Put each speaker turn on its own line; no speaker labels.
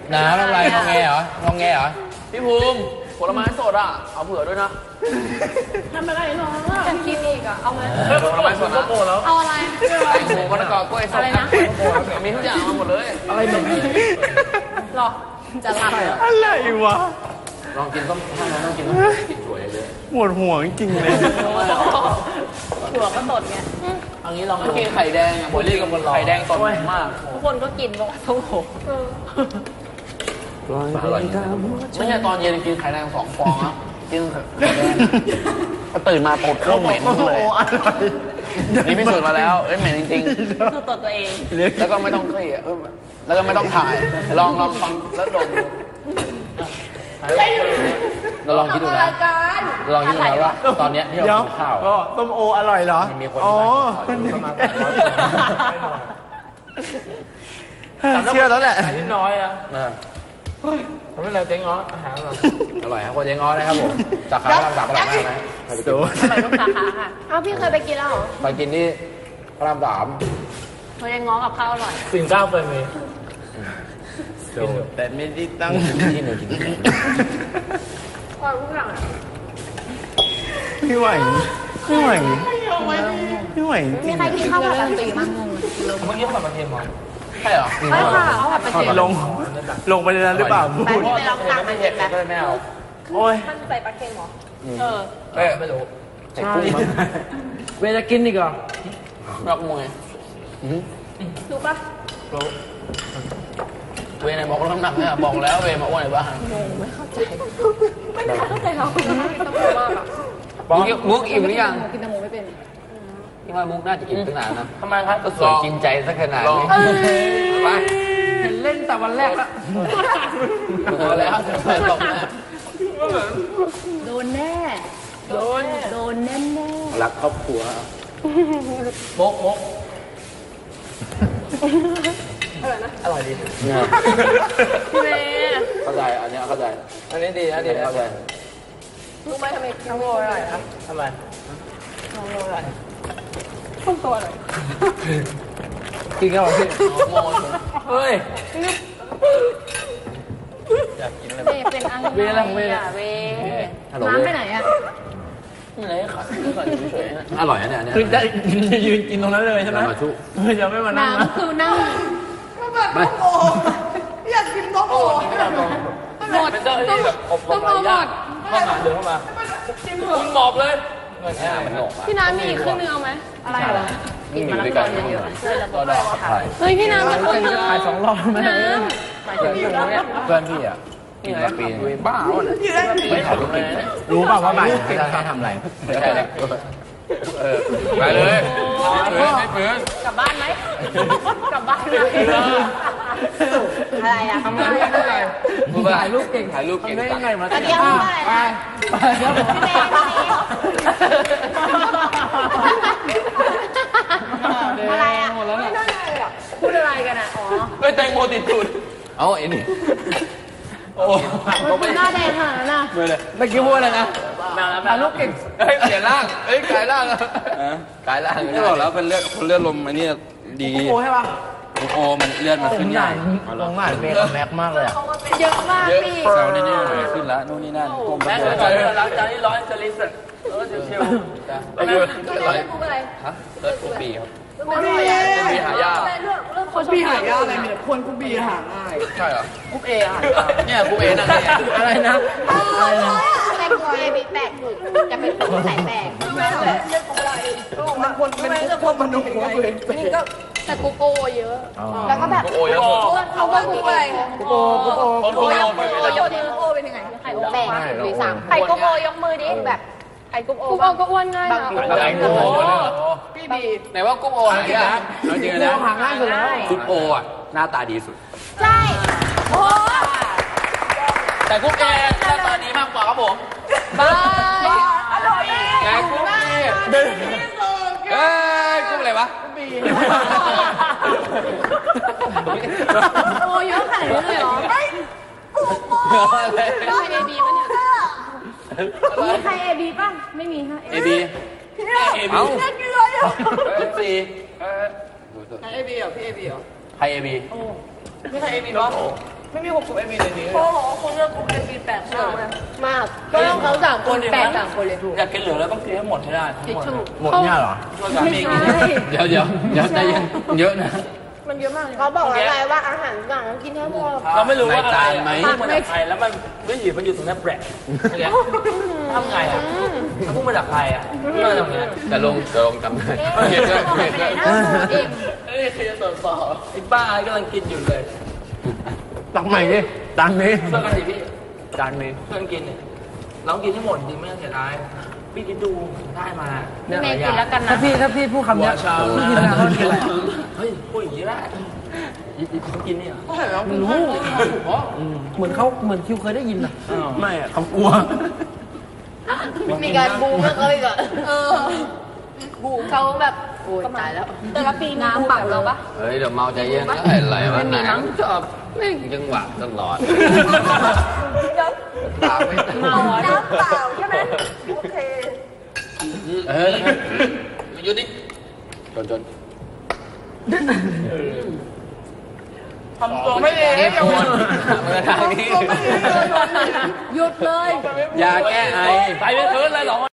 น้ำอะไรงองแงเหรอ
พี่ภูมิผลไม้สดอ่ะเอาเผื่อด้วยนะ
ทำอะไรน้องอ่ะจะกินอีกอ่ะเอาไหม
ผลไม้สดนะ
เอาอะไร
แตงโมมะละกอกล้วยส้มมีทุกอย่างมาหมดเลยอะไรเหมือน
หรอจะหลับ
อะไรวะ
ลองกินต้มถ้าน้องต้องกินกินถั่วเยอะ
ปวดหัวจริงเลย
ถั่วก็ตดไง
อันนี้ลองกินไข่แดงอ่ะโบลี่กับไข่แดงตดมาก
ทุกคนก็กินบอกโอ้โห
ไม่ใช่ตอนเย็นกินไข่แดง2 ฟองนะกินไข่แดงตื่นมาตดเข้าเหม็นเลยนี่พิสูจน์มาแล้วเหม็นจริง
ๆคือตดตัวเอง
แล้วก็ไม่ต้องเครียดแล้วก็ไม่ต้องถ่ายลองฟังแล้วดมเราลองคิดดูนะลองคิดดูนะว่าตอนนี้ที่เรากินข้าว
ก็ต้มโออร่อยเหรอ
มีคนมา
เชื่อแล้วแหละ
นิดน้อยอ่ะทำให้เราเจ๊งอ้ออาหารอร่อยครับคนเจ๊งอ้อนะครับผมสาขาพระราม 3อร่อยมากนะ
ดูไปทุกสาขาค่ะอ้าวพี่เคยไปกินแล้วเหรอ
ไปกินที่พระราม
3เขายังง้อกับข้าวอร่อย
9เคยมี
แต่ไม่ได้ตั้ง
ที่หนูกิน
ความรู้จัก
ไม่ไหวมี
ใครกินข้าวผัดกะปิมั้งงง
เมื่อกี้ผัดกระเทียมเหรอใช่เหรอ
ใช่ค่ะข้าวผัดกระเทียม
ลงไปในนั้นหรือเปล่าพูด
ไปลองตักมันเผ็ดแบบ
ไม่เอา
โอ้ย
มันใส่ปลาเค็มเหรอ
ไม่รู้
ใช่เวลากินอีกเหรอ
รักมวย
รู้ปะ
เวในบอกน้ำหนักเนี่ยบอกแล้วเวมาอ้วนในบ้าน
ไม่เข้าใจเราต้องรู้มากอ่ะ
มุกอิ่มหรือยัง
กินแตงโมไม่เป็น
ที่ว่ามุกน่าจะกินตั้งนานนะทำไมครับก็สวยกินใจสักขนาดนี้ไป
เห็นเล่นแต่วันแรกแล้ว
ตก
โดนแน่โดนแน่
รักครอบครัวมุกอร่อยดี
พี่เมย์
เข้าใจอันนี้เข้าใจอันนี้ดีนะดีเข้าใจ
รู้ไหมทำไมน้องโมอะไรครับ
ทำไม
น้องโมอะไรต้นตัวอะไร
กินกันหรอพี่โมเฮ้ยอยากกินอะไร
เป็นอังเวน้ำไปไหนอ่ะ
นี่เลยขาเฉยๆอร่อยนะเนี่ย
คือจะยืนกินตรงนั้นเลยใช่ไหม
มาชุ
จะไม่มานั่ง
น้ำคือนั่ง
ไม่อยากกินน้องโอ
หมด
เป็นเจ้าที่แบบอบรมอะไรยากเข้ามาเดินเข้ามาคุณหมอบเลย
พี่น้ำมีเครื่องนึงเอาไหมอะไรเหรอกินมาแล้วตอนเยอะๆเฮ้ยพี่น้ำมีคนนึง
ถ่าย2 รอบไหม
หมายถึงอยู่ตรงนี้
เพื่อนพี่อ่ะกินมาปีบ้าไม่ถ่ายรูปเลย
รู้เปล่าว่าบ่ายจะทำอะไร
ไม่ใช่เลยไปเลยไม่เปื้อน
กลับบ้านไหมกลับบ้านไหมอะไรอ่ะ
ทำอะไรถ่ายรูปเก่ง
ได้
ยังไงมา
ตะเกียบไปอะไรอ่ะไม่ได้เลยอ่ะพูดอะไรกันอ่ะอ๋อ
ไม่แตงโมติดจุดเอาไอ้นี่
โอ้หน้าแดงขนาดนั้นนะ
เมื่อกี้พูดอะไรนะ
ถ่ายรูปเก่ง
เปลี่ยนร่างกลายร่างกลายร่างไม่บอกแล้วเป็นเลือดลมอันนี้ดี
โอ้ใช่ป่ะ
โอ้มันเลือดมาขึ้นใหญ่
ลงหน้าเป็นแม็กมากเลย
เยอะมากพี่
เซลล์นี่ขึ้นแล้วนู่นนี่นั่นแม็กเลยหลังจากนี้ร้อยจะลิสต์เชียว
ๆเรื่องกูอะไร
ฮะเลือดกูปีครับ
กูปี
หายาก
คนปีหายากอะไรมีแต่คนกูปีหาง่าย
ใช่เหรอ
กูเออ่ะ
เนี่ยกูเอนั่น
อะไรนะ
แต่กูเอบีแปลกถูกจะเป็นคนใส่แปลกไม่ใช่เรื่องของอะไร
มันคนเป็นพวกมนุษย์
นี่ก็แต่กูโอเยอะแล้วก็แบบเขาว่ากูอะไร
กูโอ
ยกมือโยนโอเป็นยังไงไข่โอแปลกหรือ3ไข่กูโอยกมือดิแบบไข่กุ๊กโอก็อ้วนง่ายนะ
อะไรกุ๊กโอ
พี่บี
ไหนว่ากุ๊กโออะไรนะเราจริงนะ
หาง่ายสุดแล้ว
กุ๊กโออ่ะหน้าตาดีสุด
ใช่โอ้
แต่กุ๊กเอหน้าตาดีมากกว่าครับผม
บายอร่อย
แต่กุ๊กเอกุ๊กอะไรวะกุ๊กบี
โอ้เยอะขนาดนี้เลยเหรอได้เอบีป่ะเนี่ยมีใครเอบีป่ะไม่มีฮะ
เอบี
เอา
สี่
ใครเอบีเหรอพี่เอบีเหรอ
ใครเอบี
พี่ใครเอบีเนาะไม่มี60 AB ในนี้
โอ้โหคุณเลือกกลุ่มเอบีแปลกมากเลยมากเพราะเขาสามคนแปลกสามคนเลยถูก
อยากกินเหลือแล้วต้องกินให้หมดให้ได้
ทิชชู่
หมดเนี่ยเหรอ
ช่วยกัน
ไม่ใช่
เดี๋ยวใจเย็นเยอะนะ
มันเยอะมากเลยเขาบอกอะไรว่าอาหารต่างต้องกินให้หมด
เราไม่รู้ว่าอะไร
ในจานไหม
พุ่งมาจากใครแล้วมันไม่หยิบมันอยู่ตรงนี้แปลกทำไงอ่ะถ้าพุ่งมาจากใครอ่ะพุ่งมาจากไหน
จะลงจำได้เก็บด้วยเก็บด้วย
เอ้ยใครจะสอบไอ้ป้ากำลังกินอยู่เลย
ตักใหม่ดิตังนี้
ช่วยกันสิพี่
จานนี้
ช่วยกันกินเนี่ยเรากินให้หมดจริงไม่ต้องเสียดายพี่คิดดูได้มา
แม่กินแล้วกันนะ
ถ้าพี่พูดคำเนี้ยพี่กินแล้วกินอะไร
เฮ้ยพูดอย่างนี้ได้เขากินนี่เหรอ
รู้เหมือนคิวเคยได้ยินอ่ะ
ไม่อะเขากลัว
มีการบูมเขาอีกอะบูมเขาแบบโอ้ยตายแล้วแต่ละปีน้ำปักเราปะ
เฮ้ยเดี๋ยวเมาใจเย็นอะไรวะไหนชอบแม่งจังหวะตลอดปากไม่เมา
น้ำเปล่าใช่ไหมโอเค
หยุดดิจน
ทำตัวไม่ดี
มาทางนี้
หยุดเลย
ยาแก้ไอ
ไปเป็นคืนเลยเหรอ